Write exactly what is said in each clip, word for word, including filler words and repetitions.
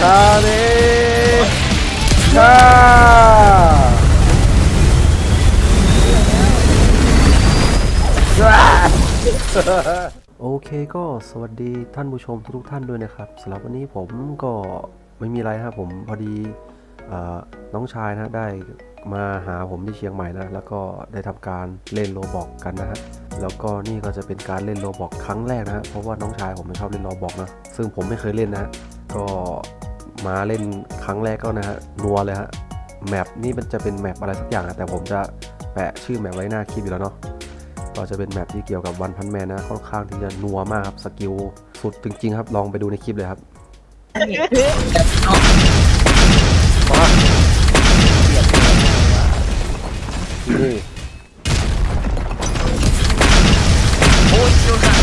คาเนคาโอเคก็สวัสดีท่านผู้ชมทุกท่านด้วยนะครับสำหรับวันนี้ผมก็ไม่มีอะไรครับผมพอดีน้องชายนะได้มาหาผมที่เชียงใหม่นะแล้วก็ได้ทำการเล่นโรบอกกันนะฮะแล้วก็นี่ก็จะเป็นการเล่นโรบอกครั้งแรกนะฮะเพราะว่าน้องชายผมไม่ชอบเล่นโรบอกนะซึ่งผมไม่เคยเล่นนะก็มาเล่นครั้งแรกก็นะฮะนัวเลยฮะแมปนี่มันจะเป็นแมปอะไรสักอย่างนะแต่ผมจะแปะชื่อแมปไว้หน้าคลิปอยู่แล้วเนาะก็จะเป็นแมปที่เกี่ยวกับวันพันแมนนะค่อนข้างที่จะนัวมากครับสกิลสุดจริงๆครับลองไปดูในคลิปเลยครับนี่โอ้ยดูค่ะ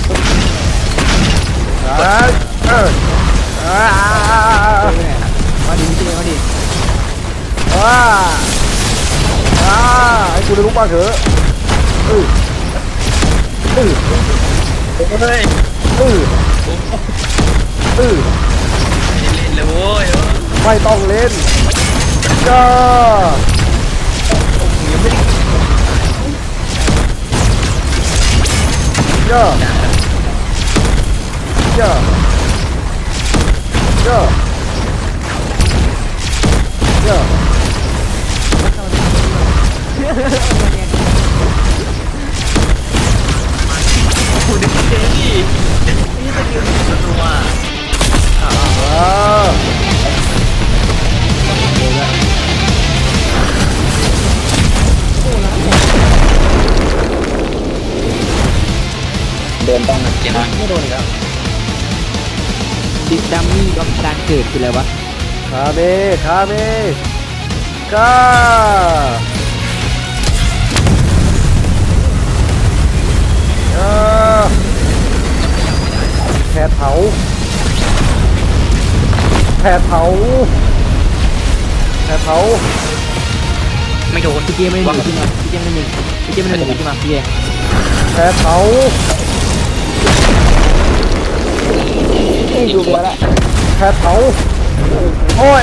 อ่าเอออ่ามาดิจริงมาดิว้าอ่าให้กูได้ลุกบ้างเถอะเออเออเฮ้ยเออเออเล่นเลยโว้ยไม่ต้องเล่นจ้าจ้าจ้าจ้าจ้าคุณดิเจนี่นี่สกิลตัวตัวอ่าเดินต้องเจนไม่โดนอีกแล้วดิดัมมี่กับการเกิดคืออะไรวะคาเมคาเมกาแผดเผาแผดเผาแผดเผาไม่โดนพี่เจไม่หนีพี่มาพี่เจไม่หนีพี่เจไม่หนีพี่มาพี่เจแผดเผาดูมาละแผดเผาโอ้ย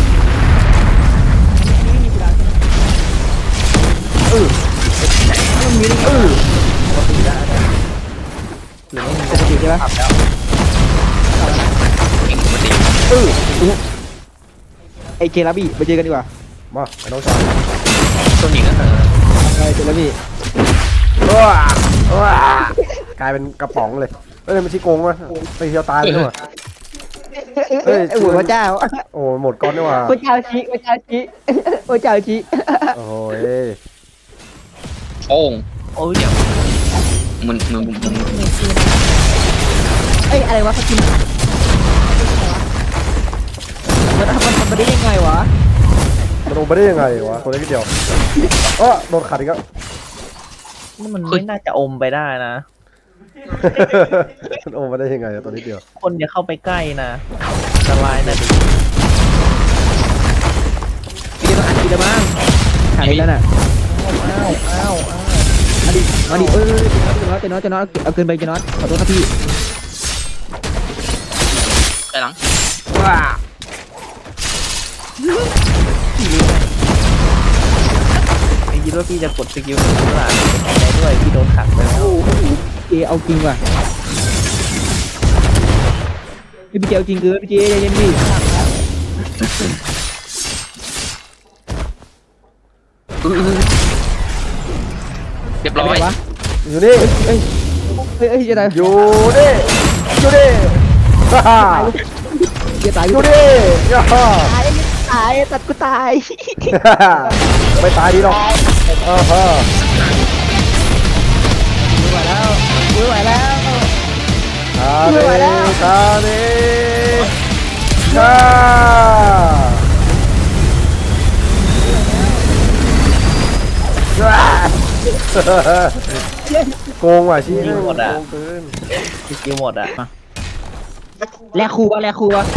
อือมันมีอือปกติได้หรือไม่ปกติใช่ไหมขับแล้วเก่งปกติอือไอเจลาบี้ไปเจอกันดีกว่ามาไอ้น้องชายตัวหญิงก็เถอะไอเจลาบี้ว้าว้ากลายเป็นกระป๋องเลยเอ้ยมันชี้โกงวะไปเที่ยวตายเลยว่ะเอ้ยหัวพระเจ้าโอ้หมดก้อนด้วยว่ะพระเจ้าชี้พระเจ้าชี้พระเจ้าชี้โอ้ยโอ้งโอ้ยเดี๋ยวมันมันมันเอ้ยอะไรวะเขากินมันมันทำมาได้ยังไงวะมันลงไปได้ยังไงวะตัวเล็กนิดเดียวเออโดนขัดอีกแล้วนี่มันไม่น่าจะอมไปได้นะมันอมไปได้ยังไงตัวนิดเดียวคนอย่าเข้าไปใกล้นะอันตรายนะดิพี่ต้องอัดกีดบ้างหายแล้วน่ะอ้าวอ้าวอ้าวมาดิมาดิเออเจน็อตเจน็อตเจน็อตเอาเกินไปเจน็อตขอโทษครับพี่ไปหลังว้าไอ้ยีโร่พี่จะกดสกิลหนึ่งหลังได้ด้วยพี่โดนขัดไปแล้วเจเอาจริงว่ะพี่เจเอาจริงเกินพี่เจใจเย็นพี่เรียบร้อยอยู่นี่เฮ้ยเฮ้ยเฮ้ยจะตายอยู่นี่อยู่นี่ฮ่าฮ่าจะตายอยู่นี่ย่าฮ่าตายตายตัดกูตายไม่ตายดีหรอกอ่าฮะไม่ไหวแล้วไม่ไหวแล้วคาเนคาเนคาโกงว่ะชี้หมดอ่ะชี้หมดอ่ะแลกครูวะแลกครูวะ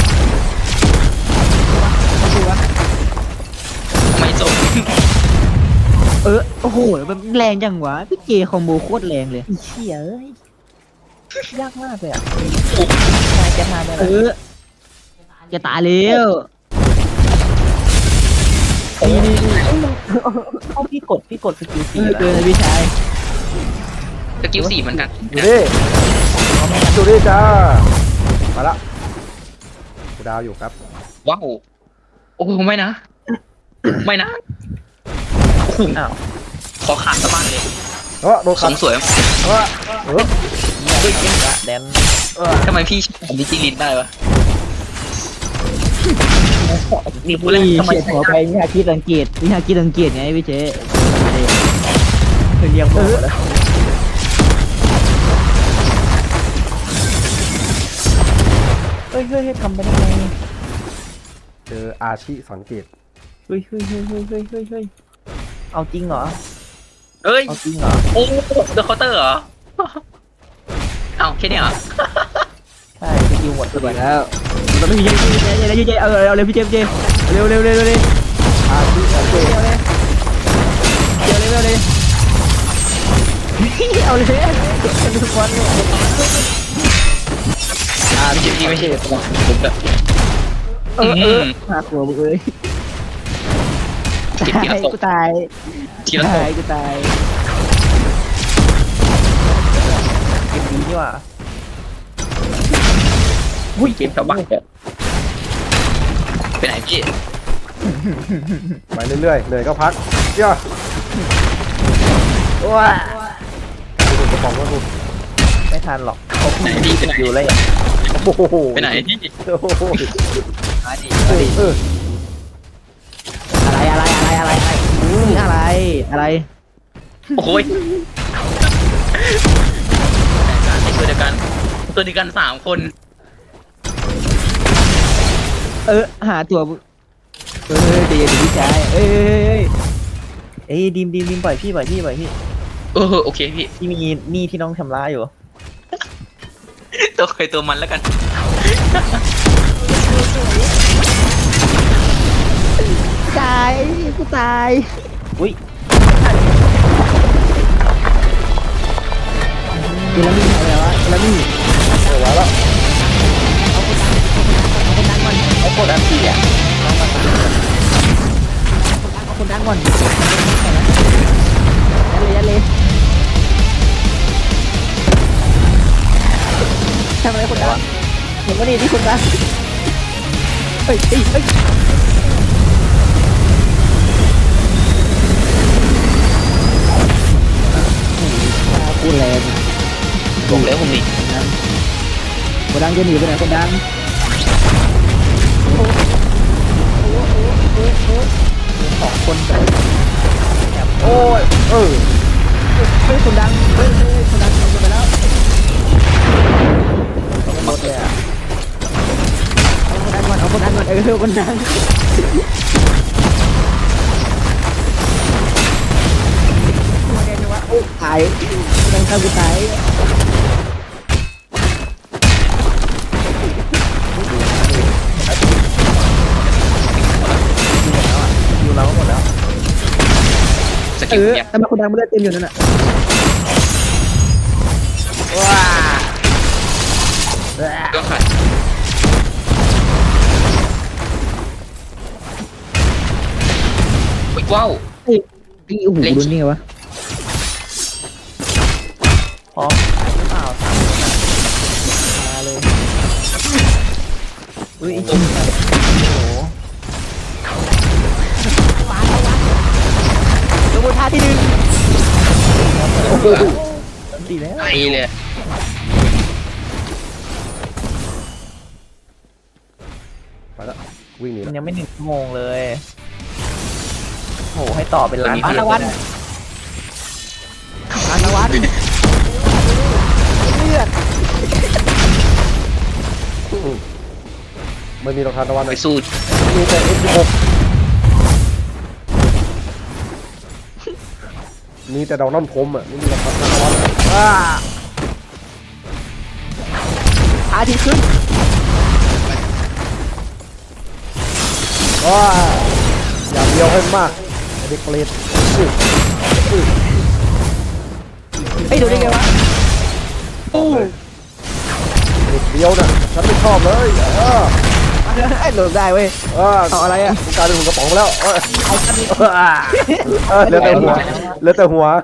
ไม่จบเออโอ้โหมันแรงจังวะพี่เจคอมโบโคตรแรงเลยเชี่ยเอ้ยยากมากเลยอ่ะนายจะมาได้เออจะตายแล้วนี่นี่นี่เอาพี่กดพี่กดสกิลเอสี่อแล้วเกินเลยพี่ชายสกิลสี่เหมือนกันดูดิดูดิจ้ามาละกูดาวอยู่ครับว้าวโอ้โหไม่นะ ไม่นะโอ้โหอ้าวขอขาดสะบั้นเลยเออโดนสขัดมสวยเออเออเฮ้ยเก่งละแดนทำไมพี่ผมดิจิลินได้วะนี่พูดนี่แล้วทำไมเฉียดหัวไปวิชาคิดสังเกตวิชาคิดสังเกตไงพี่เจ๊เคยเรียกหมอแล้วเฮ้ยเฮ้ยเฮ้ยทำไปได้ไงเจออาชิสังเกตเฮ้ยเฮ้ยเฮ้ยเฮ้ยเฮ้ยเฮ้ยเฮ้ยเอาจริงเหรอเอ้ยเอาจริงเหรอโอ้เดอะเคาน์เตอร์เหรอเอ้าแค่นี้เหรอใช่สกิลหมดสวยแล้วเราไม่มีเจ๊เจ๊เจ๊เจ๊เจ๊เอาเอาเร็วพี่เจ๊เจ๊เร็วเร็วเร็วเร็วเร็วอาชิสังเกตเร็วเร็วเร็วเร็วเร็วเร็วเอาเลยทุกคนเลยอ่าพี่พี่ไม่ใช่ผมแบบเออเออหาหัวมึงเลยทีตาละยศพกูตายทีละศตาพยกูตายเกมดีนี่หว่าอุ้ยเกมชาวบ้านแบบไปไหนพี่ไปเรื่อยๆเหนื่อยก็พักเย่าว้าดูกระป๋องก็ดูไม่ทันหรอกเขาไหนพี่ไปไหนอยู่เลยโอ้โหไปไหนพี่โอ้โหมาดิเอมาอดิเอออะไรอะไรอะไรอะไรอะไรอะไรอะไรโอ้ยตัวเดียวกันตัวเดียวกันสามคนเออหาตัวเออเดี๋ยวพี่ชายเอ้ยเอ้ยดีมดีมดีมปล่อยพี่ปล่อยพี่ปล่อยพี่เออโอเคพี่พี่มีหนี้ที่น้องชำระอยู่ตัวใครตัวมันแล้วกันตายกูตายอุ้ยเดี๋ยวมีอะไรวะแล้วมีเออไว้แล้วเขากดอันตีอ่ะเอาคนดังก่อนยัดเลยยัดเลยทำอะไรคนดังเห็นว่าดีที่คนดังเฮ้ยเฮ้ยเฮ้ยพูดแรงบอกแล้วผมนี่คนดังจะหนีไปไหนคนดังสองคนแบบโอ้ยเออเฮ้ยคนดังเฮ้ยเฮ้ยคนดังเอาไปแล้วรถเลยอ่ะเอาคนดังก่อนเอาคนดังก่อนเออคนดังตายคนดังเข้ากูตายอยู่เราหมดแล้วสเอกิลอเนี่ยทำไมคนดังไม่ได้เต็มอยู่นั่นน่ะว้าก็ขาดว้าวไอ้ไอ้โอ้โหดูนี่ไงวะพร้อมหรือเปล่าสามคนอ่ะมาเลยอุ้ยโอ้โหลงบนท่าที่หนึ่งตีแล้วไปเลยไปแล้ววิ่งหนีมันแล้วยังไม่หนึ่งชั่วโมงเลยโหให้ต่อเป็นล้านปานตะวันปานตะวันเลือดอืมไม่มีรองเท้าตะวันเลไปยสู้มีแต่ เอ็กซ์ สิบหก มีแต่ดอกน้ำพรมอ่ะไม่มีรองเท้าตะวันอ่าอาทิตย์ขึ้นว้าอย่างเดียวให้มากไอ้เด็กเปรตอื้ออื้อไอ้ยดูได้ไงวะเด็กเดียวน่ะฉันไม่ชอบเลยเออหลบได้เว้ยเออเอาอะไรอ่ะกูกลายเป็นหุ่นกระป๋องไปแล้วเออเออเหลือแต่หัวเหลือแต่หัว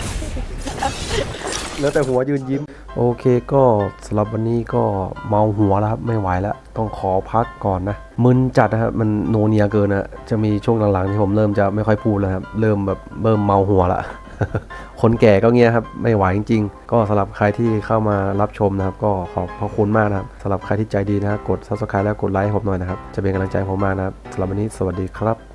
เหลือแต่หัวยืนยิ้มโอเคก็สำหรับวันนี้ก็เมาหัวแล้วครับไม่ไหวแล้วต้องขอพักก่อนนะมึนจัดนะครับมันโนเนียเกินนะจะมีช่วงหลังๆที่ผมเริ่มจะไม่ค่อยพูดแล้วครับเริ่มแบบเริ่มเมาหัวละ คนแก่ก็เงี้ยครับไม่ไหวจริงๆก็สำหรับใครที่เข้ามารับชมนะครับก็ขอบพระคุณมากนะครับสำหรับใครที่ใจดีนะครับกด ซับสไครบ์ แล้วกดไลค์ให้ผมหน่อยนะครับจะเป็นกำลังใจให้ผมมากนะครับสำหรับวันนี้สวัสดีครับ